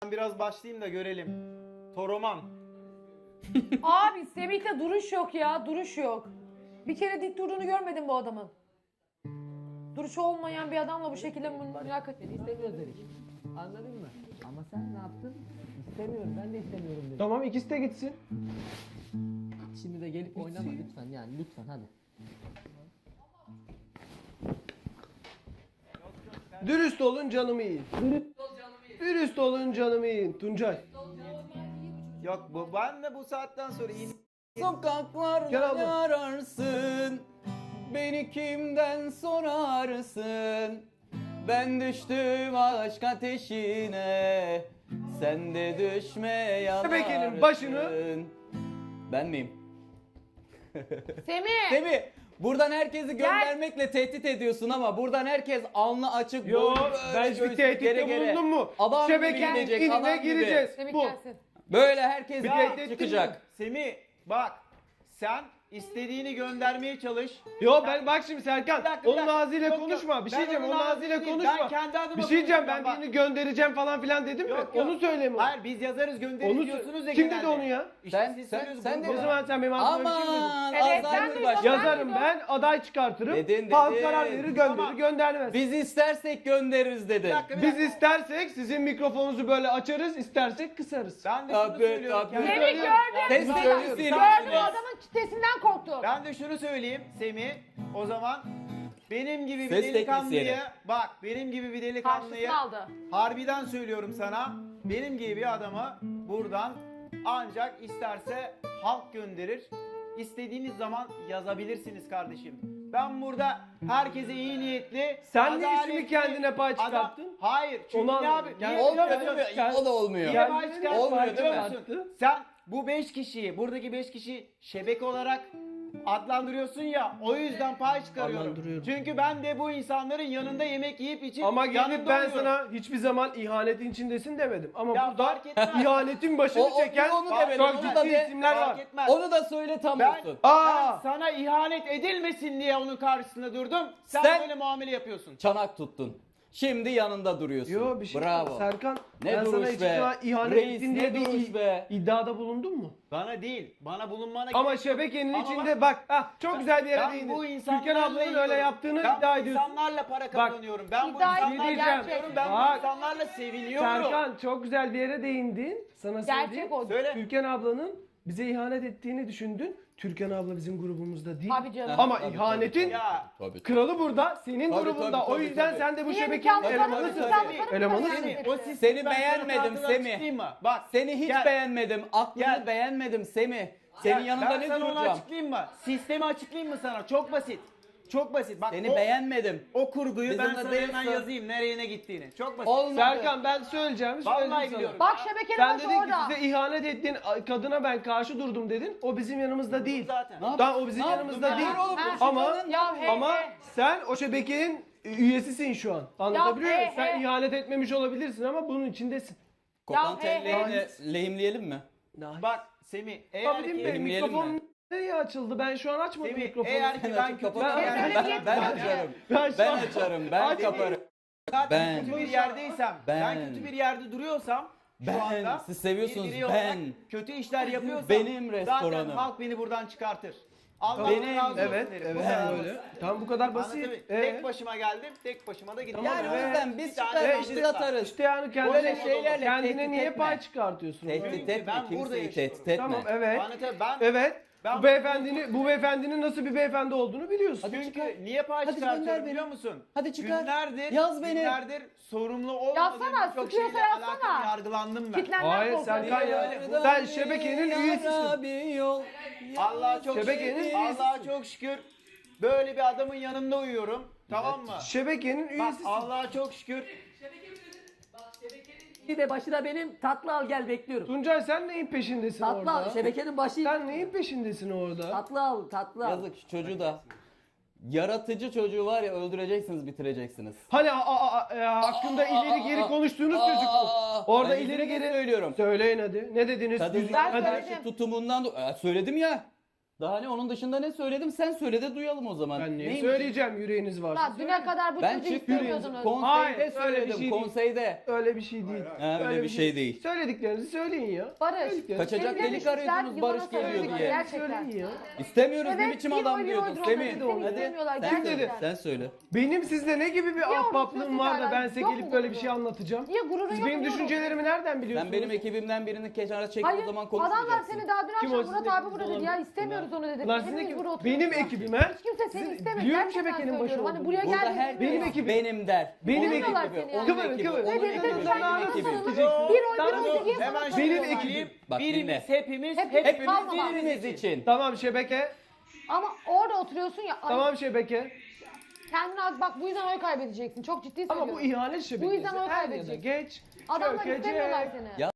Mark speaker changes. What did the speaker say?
Speaker 1: Biraz başlayayım da görelim. Toroman.
Speaker 2: Abi Semih'te duruş yok ya, duruş yok. Bir kere dik durduğunu görmedim bu adamın. Duruşu olmayan bir adamla bu şekilde mülakat
Speaker 3: Seni istemiyoruz dedik. Anladın mı? Ama sen ne yaptın? İstemiyorum, ben de istemiyorum dedim.
Speaker 4: Tamam, ikisi de gitsin.
Speaker 3: Şimdi de gelip oynama lütfen, yani lütfen hadi.
Speaker 4: Dürüst olun, canımı yiyin. Dürüst olun, canımı yiyin. Tuncay.
Speaker 1: Yok ben de bu saatten sonra iyi.
Speaker 4: Gel
Speaker 5: Sokaklarda
Speaker 4: abla.
Speaker 5: ararsın, beni kimden sorarsın? Ben düştüm aşk ateşine, sen de düşme yanarsın.
Speaker 4: Şebekenin başını-
Speaker 5: Ben miyim?
Speaker 2: Semih!
Speaker 5: Değil mi? Buradan herkesi göndermekle tehdit ediyorsun ama buradan herkes alnı açık.
Speaker 4: Yo,
Speaker 5: boynu
Speaker 4: ben
Speaker 5: böyle
Speaker 4: hiçbir
Speaker 5: göğsü
Speaker 4: tehditte
Speaker 5: gere gere.
Speaker 4: bulundum mu?
Speaker 5: Adam gibi
Speaker 4: Şebekenin
Speaker 5: gidecek,
Speaker 4: inine
Speaker 5: adam gibi.
Speaker 4: gireceğiz.
Speaker 2: Semih
Speaker 4: Bu.
Speaker 2: gelsin.
Speaker 5: Böyle herkes
Speaker 4: Bir
Speaker 1: Ya,
Speaker 4: tehdit
Speaker 5: çıkacak.
Speaker 1: Semih bak sen istediğini göndermeye çalış.
Speaker 4: Yo ben bak şimdi Serkan,
Speaker 1: Bir dakika,
Speaker 4: onun ağzıyla
Speaker 1: Yok,
Speaker 4: konuşma.
Speaker 1: yok.
Speaker 4: Bir şey
Speaker 1: Ben
Speaker 4: diyeceğim,
Speaker 1: onun
Speaker 4: onun ağzıyla
Speaker 1: ağzıyla değil,
Speaker 4: konuşma.
Speaker 1: ben kendi adıma
Speaker 4: Bir şey diyeceğim, ben
Speaker 1: konuşuyorum,
Speaker 4: birini göndereceğim falan filan dedim mi?
Speaker 1: Yok, yok.
Speaker 4: Onu söyleyeyim.
Speaker 1: Hayır biz yazarız göndeririz
Speaker 4: Onu
Speaker 1: diyorsunuz ya
Speaker 4: kim
Speaker 1: genelde.
Speaker 4: dedi onu ya?
Speaker 1: İşte
Speaker 5: Sen-
Speaker 1: siz
Speaker 5: sen-
Speaker 1: söylüyorsunuz
Speaker 5: sen
Speaker 1: bunu.
Speaker 5: de-
Speaker 4: Ne zaman sen benim ağzıma bir şey mi dedin?
Speaker 5: Aman
Speaker 2: Evet, ben
Speaker 5: Alzheimer
Speaker 2: duydum,
Speaker 5: başladı.
Speaker 4: Yazarım ben, aday çıkartırım.
Speaker 5: Dedin,
Speaker 4: Halk
Speaker 5: dedin.
Speaker 4: karar verir, gönderir,
Speaker 1: Tamam.
Speaker 4: göndermez.
Speaker 5: Biz istersek göndeririz dedi.
Speaker 1: Bir dakika, bir
Speaker 4: Biz
Speaker 1: dakika.
Speaker 4: istersek sizin mikrofonunuzu böyle açarız, istersek kısarız.
Speaker 1: Ben de şunu
Speaker 5: Tabii,
Speaker 1: söylüyorum.
Speaker 5: tabii.
Speaker 1: kendi-
Speaker 2: Semih gördü.
Speaker 5: Ses
Speaker 1: Ben-
Speaker 5: söylüyorsun.
Speaker 2: Gördü, bu adamın kitlesinden korktu.
Speaker 1: Ben de şunu söyleyeyim Semih. O zaman benim gibi bir
Speaker 5: Ses
Speaker 1: delikanlıyı
Speaker 5: teknisyeni.
Speaker 1: bak benim gibi bir delikanlıyı
Speaker 2: Karşısına aldı.
Speaker 1: harbiden söylüyorum sana. Benim gibi bir adamı buradan ancak isterse halk gönderir. İstediğiniz zaman yazabilirsiniz kardeşim. Ben burada herkese iyi niyetli,
Speaker 4: Sen niye
Speaker 1: adaletli
Speaker 4: ismi kendine pay
Speaker 1: adam-
Speaker 4: çıkarttın?
Speaker 1: Hayır. Çünkü
Speaker 4: Onu
Speaker 1: ne
Speaker 4: anladım.
Speaker 1: abi?
Speaker 4: Yani
Speaker 1: Niye biliyor
Speaker 5: Olmuyor
Speaker 1: musun?
Speaker 5: değil mi? O da olmuyor.
Speaker 1: Niye
Speaker 4: Kendine
Speaker 1: pay çıkarttın
Speaker 5: olmuyor
Speaker 1: biliyor
Speaker 5: değil mi?
Speaker 1: musun? Sen bu 5 kişiyi, buradaki 5 kişi şebeke olarak adlandırıyorsun ya, o yüzden pay çıkarıyorum.
Speaker 4: Adlandırıyorum.
Speaker 1: Çünkü ben de bu insanların yanında yemek yiyip içip
Speaker 4: Ama gelip
Speaker 1: yanında
Speaker 4: ben
Speaker 1: oluyorum.
Speaker 4: sana hiçbir zaman ihanetin içindesin demedim. Ama
Speaker 1: Ya
Speaker 4: burada
Speaker 1: fark etmez.
Speaker 4: ihanetin başını
Speaker 5: O-
Speaker 4: çeken
Speaker 5: onu
Speaker 1: Bak,
Speaker 5: demedim,
Speaker 4: çok
Speaker 5: onu da
Speaker 4: ciddi
Speaker 5: de.
Speaker 4: isimler var.
Speaker 1: Fark etmez.
Speaker 5: Onu da söyle tam
Speaker 1: Ben,
Speaker 5: olsun.
Speaker 4: Aa!
Speaker 1: ben sana ihanet edilmesin diye onun karşısında durdum. Sen,
Speaker 5: Sen-
Speaker 1: böyle muamele yapıyorsun.
Speaker 5: Çanak tuttun. Şimdi yanında duruyorsun.
Speaker 4: Yo bir şey
Speaker 5: Bravo.
Speaker 4: Serkan,
Speaker 5: Ne
Speaker 4: ben sana
Speaker 5: duruş
Speaker 4: hiç
Speaker 5: be.
Speaker 4: zaman ihanet
Speaker 5: Reis,
Speaker 4: ettin
Speaker 5: ne
Speaker 4: diye bir
Speaker 5: duruş be.
Speaker 4: iddiada bulundun mu?
Speaker 1: Bana değil, bana bulunmana
Speaker 4: Ama
Speaker 1: gerek yok.
Speaker 4: şebekenin
Speaker 1: Ama
Speaker 4: içinde bak, çok güzel bir yere
Speaker 1: ben
Speaker 4: değindin.
Speaker 1: bu
Speaker 4: Türkan
Speaker 1: insanlarla
Speaker 4: ablanın öyle
Speaker 1: yiyorum.
Speaker 4: yaptığını
Speaker 1: ben
Speaker 4: iddia
Speaker 1: bu
Speaker 4: ediyorsun.
Speaker 1: insanlarla para kazanıyorum. Ben bu
Speaker 2: iddia
Speaker 1: insanlarla
Speaker 2: etme,
Speaker 4: diyeceğim.
Speaker 1: yapıyorum. Ben bu
Speaker 4: Bak.
Speaker 1: insanlarla seviniyorum.
Speaker 4: Serkan çok güzel bir yere değindin. Sana söyleyeyim.
Speaker 2: Gerçek o.
Speaker 1: Söyle.
Speaker 4: Türkan ablanın bize ihanet ettiğini düşündün. Türkan abla bizim grubumuzda değil.
Speaker 2: Abi canım.
Speaker 4: Ama
Speaker 5: Tabii,
Speaker 4: ihanetin
Speaker 1: Ya
Speaker 5: Tabii.
Speaker 4: kralı burada, senin
Speaker 5: Tabii,
Speaker 4: grubunda.
Speaker 5: tabii,
Speaker 4: O
Speaker 5: tabii,
Speaker 4: yüzden
Speaker 5: tabii.
Speaker 4: sen de bu
Speaker 2: Niye
Speaker 4: şebekenin
Speaker 2: nikahlı
Speaker 4: elemanısın.
Speaker 2: kadın, nikahlı kadın
Speaker 4: Elemanısın.
Speaker 2: yani?
Speaker 1: Semih, o sistemi
Speaker 5: Seni
Speaker 1: ben sana
Speaker 5: beğenmedim,
Speaker 1: tahtadan
Speaker 5: Semih.
Speaker 1: açıklayayım mı? Bak.
Speaker 5: Seni hiç
Speaker 1: gel.
Speaker 5: beğenmedim. Aklını
Speaker 1: Gel.
Speaker 5: beğenmedim Semih. Senin yanında
Speaker 1: ben
Speaker 5: ne
Speaker 1: sana onu
Speaker 5: duracağım?
Speaker 1: açıklayayım mı? Sistemi açıklayayım mı sana? Çok basit. Çok basit. Bak
Speaker 5: Seni
Speaker 1: o,
Speaker 5: beğenmedim.
Speaker 1: o kurguyu ben
Speaker 5: Bizimle
Speaker 1: sana
Speaker 5: değilsin.
Speaker 1: hemen yazayım nereye ne gittiğini. Çok basit.
Speaker 5: Olmadı.
Speaker 4: Serkan ben söyleyeceğim.
Speaker 1: Vallahi
Speaker 4: Söyleyeyim
Speaker 1: biliyorum.
Speaker 4: sana.
Speaker 2: Bak şebekenin
Speaker 4: Sen
Speaker 2: başı
Speaker 4: dedin ki
Speaker 2: orada.
Speaker 4: size ihanet ettiğin kadına ben karşı durdum dedin. O bizim yanımızda değil.
Speaker 1: Zaten.
Speaker 5: Ne yap-
Speaker 4: Daha o bizim
Speaker 5: Ne
Speaker 4: yanımızda
Speaker 5: yaptın
Speaker 4: değil.
Speaker 5: ben? Oğlum,
Speaker 2: Ha.
Speaker 5: bu
Speaker 4: Ama
Speaker 5: çocuğun-
Speaker 2: Ya he,
Speaker 4: ama
Speaker 2: he.
Speaker 4: sen o şebekenin üyesisin şu an. Anlatabiliyor
Speaker 2: Ya,
Speaker 4: muyum? Sen
Speaker 2: he.
Speaker 4: ihanet etmemiş olabilirsin ama bunun içindesin.
Speaker 5: Kokan
Speaker 2: Ya, he,
Speaker 5: tellerini lehimleyelim mi?
Speaker 1: Bak Semih eğer
Speaker 4: Abidin
Speaker 1: ki
Speaker 4: Bey
Speaker 5: Elimleyelim
Speaker 4: mikrofon nereye açıldı? Ben şu an açmadım
Speaker 1: Semih
Speaker 4: mikrofonu.
Speaker 1: eğer ki ben
Speaker 5: Açıp
Speaker 1: kötü bir
Speaker 5: kapatalım.
Speaker 1: yerde
Speaker 5: Ben açarım.
Speaker 4: Ben şu
Speaker 5: Ben
Speaker 4: an-
Speaker 5: açarım. Ben
Speaker 4: Hadi.
Speaker 5: kaparım.
Speaker 1: zaten
Speaker 5: Ben-
Speaker 1: kötü bir yerdeysem, ben
Speaker 5: Ben-
Speaker 1: kötü bir yerde duruyorsam şu
Speaker 5: Ben.
Speaker 1: anda
Speaker 5: Siz seviyorsunuz.
Speaker 1: bir birey olarak
Speaker 5: Ben.
Speaker 1: kötü işler yapıyorsam
Speaker 5: Benim
Speaker 1: zaten
Speaker 5: restoranım.
Speaker 1: halk beni buradan çıkartır. Allah
Speaker 5: Benim-
Speaker 1: razı olsun
Speaker 4: Evet,
Speaker 1: derim.
Speaker 4: evet
Speaker 1: Bu kadar
Speaker 4: öyle.
Speaker 1: basit.
Speaker 4: Tam bu kadar
Speaker 1: Anlatabiliyor
Speaker 4: basit.
Speaker 1: muyum? Tek başıma geldim, tek başıma da gideceğim.
Speaker 5: Yani o
Speaker 4: Evet.
Speaker 5: yüzden biz
Speaker 1: Bir tane
Speaker 5: çıkarız,
Speaker 1: de
Speaker 5: biz atarız.
Speaker 4: İşte yani kendine,
Speaker 5: Böyle şeylerle
Speaker 4: kendine
Speaker 5: tehdit
Speaker 4: niye
Speaker 5: etme.
Speaker 4: pay çıkartıyorsun?
Speaker 5: Tehdit
Speaker 1: Çünkü
Speaker 5: etme.
Speaker 1: ben burada
Speaker 5: Kimseyi
Speaker 1: yaşıyorum.
Speaker 5: tehdit etme.
Speaker 4: Tamam evet.
Speaker 1: Anlatabiliyor ben
Speaker 4: Evet.
Speaker 1: Ben-
Speaker 4: Bu beyefendinin nasıl bir beyefendi olduğunu biliyorsun.
Speaker 5: Hadi
Speaker 1: çünkü
Speaker 5: çıkar.
Speaker 1: niye pay
Speaker 5: Hadi
Speaker 1: çıkartıyorum
Speaker 5: gönder beni.
Speaker 1: biliyor musun?
Speaker 5: Hadi çıkar.
Speaker 1: Günlerdir,
Speaker 5: Yaz beni.
Speaker 1: günlerdir sorumlu olmadığım
Speaker 2: Yazsana,
Speaker 1: birçok
Speaker 2: sıkıyorsa
Speaker 1: şeyle
Speaker 2: yazsana.
Speaker 1: alakalı yargılandım ben.
Speaker 2: Kitlenden
Speaker 4: Hayır,
Speaker 2: korkuyor.
Speaker 4: Serkan ya. Sen şebekenin üyesisin.
Speaker 1: Allah'a çok
Speaker 4: Şebekenin
Speaker 1: şükür, Allah'a çok şükür böyle bir adamın yanında uyuyorum. Tamam mı?
Speaker 4: Şebekenin
Speaker 1: Bak
Speaker 4: üyesisin.
Speaker 1: Allah'a çok şükür.
Speaker 3: Bir de başı da benim, tatlı al gel bekliyorum.
Speaker 4: Tuncay sen neyin peşindesin
Speaker 3: Tatlı al,
Speaker 4: orada?
Speaker 3: şebekenin başı.
Speaker 4: Sen neyin peşindesin orada?
Speaker 3: Tatlı al, tatlı al.
Speaker 5: Yazık şu çocuğu da. Yaratıcı çocuğu var ya öldüreceksiniz bitireceksiniz.
Speaker 4: Hani hakkında ileri geri konuştuğunuz çocuk mu? Orada
Speaker 5: Ben
Speaker 4: ileri
Speaker 5: yüzünü
Speaker 4: geri
Speaker 5: söylüyorum.
Speaker 4: Söyleyin hadi. Ne dediniz?
Speaker 5: Kadınlara
Speaker 2: Ben
Speaker 5: karşı
Speaker 2: söyledim.
Speaker 5: tutumundan söyledim ya. Daha ne onun dışında ne söyledim sen söyle de duyalım o zaman.
Speaker 4: Ben niye
Speaker 5: Neymiş?
Speaker 4: söyleyeceğim yüreğiniz varsa.
Speaker 2: Lan düne kadar bu
Speaker 5: Ben
Speaker 2: çocuğu
Speaker 5: çıktım
Speaker 2: istemiyordunuz.
Speaker 4: Hayır,
Speaker 5: konseyde
Speaker 4: öyle bir
Speaker 5: söyledim
Speaker 4: şey değil.
Speaker 5: konseyde.
Speaker 4: Öyle bir şey değil.
Speaker 5: Ha, öyle bir şey değil.
Speaker 4: Söylediklerinizi söyleyin ya.
Speaker 2: Barış.
Speaker 4: Söylediklerinizi
Speaker 5: Kaçacak
Speaker 2: Seninle
Speaker 5: delik
Speaker 2: düşmüşler,
Speaker 5: arıyordunuz,
Speaker 2: yılana
Speaker 5: Barış geliyor
Speaker 2: sarıldılar,
Speaker 5: diye.
Speaker 2: Gerçekten.
Speaker 4: Söyleyin ya.
Speaker 5: İstemiyoruz ne
Speaker 2: Evet,
Speaker 5: biçim
Speaker 2: bir
Speaker 5: adam
Speaker 2: oyun
Speaker 5: diyordun
Speaker 2: oynadılar,
Speaker 5: Semih.
Speaker 2: seni istemiyorlar,
Speaker 5: Sen
Speaker 2: gerçekten.
Speaker 5: söyle. Sen söyle.
Speaker 4: Benim sizle ne gibi bir
Speaker 2: Niye
Speaker 4: ahbaplığım
Speaker 2: unutuyorsun
Speaker 4: var da
Speaker 2: hala?
Speaker 4: ben size
Speaker 2: Yok
Speaker 4: gelip
Speaker 2: mu
Speaker 4: böyle bir
Speaker 2: gururun?
Speaker 4: şey anlatacağım?
Speaker 2: Niye gururun
Speaker 4: Siz
Speaker 2: yok
Speaker 4: benim
Speaker 2: mu?
Speaker 4: düşüncelerimi nereden biliyorsunuz?
Speaker 5: Sen benim ekibimden birini kenara çekip
Speaker 2: Hayır,
Speaker 5: o zaman
Speaker 2: adamlar
Speaker 5: konuşmayacaksın.
Speaker 2: seni daha dün
Speaker 4: Kim o
Speaker 2: akşam
Speaker 4: sizin
Speaker 2: Murat abi
Speaker 4: ekibiniz
Speaker 2: burada dedi
Speaker 4: olan?
Speaker 2: ya istemiyoruz onu dedi.
Speaker 4: Lan sizin
Speaker 2: Hepimiz
Speaker 4: ekibim,
Speaker 2: burada oturuyoruz
Speaker 4: benim
Speaker 2: şu an.
Speaker 4: ekibim ha?
Speaker 2: Hiç kimse seni istemiyor.
Speaker 4: biliyorum
Speaker 2: Gerçekten
Speaker 4: şebekenin başı
Speaker 2: söylüyorum. Hani
Speaker 4: olduğunu.
Speaker 2: buraya
Speaker 5: Burada
Speaker 2: gelmedin
Speaker 5: her
Speaker 2: diye.
Speaker 4: Benim ekibim.
Speaker 5: benim der.
Speaker 4: Benim
Speaker 5: Onun
Speaker 4: ekibim.
Speaker 5: ekibi, onun
Speaker 4: Kıvır,
Speaker 5: ekibi,
Speaker 4: kıvır.
Speaker 5: onun
Speaker 2: Ne dedi?
Speaker 5: ekibi,
Speaker 2: Sen
Speaker 5: onun
Speaker 2: nasıl
Speaker 5: ekibi.
Speaker 2: sorunun? Bir oy bir oy diye sana
Speaker 1: Hemen
Speaker 2: soruyorlar.
Speaker 4: benim ekibim.
Speaker 5: Bak dinle.
Speaker 1: Birimiz hepimiz
Speaker 2: Hep- Kalma bak.
Speaker 5: Biriniz için.
Speaker 4: Tamam şebeke.
Speaker 2: Ama orada oturuyorsun ya. ay,
Speaker 4: Tamam şebeke.
Speaker 2: Kendine az bak bu yüzden oy kaybedeceksin. Çok ciddi söylüyorum.
Speaker 4: Ama bu ihanet şebekesi.
Speaker 2: Bu yüzden oy
Speaker 4: Er ya da
Speaker 2: kaybedeceksin.
Speaker 4: geç.
Speaker 2: Adamlar
Speaker 4: çökecek.
Speaker 2: istemiyorlar seni.
Speaker 5: Ya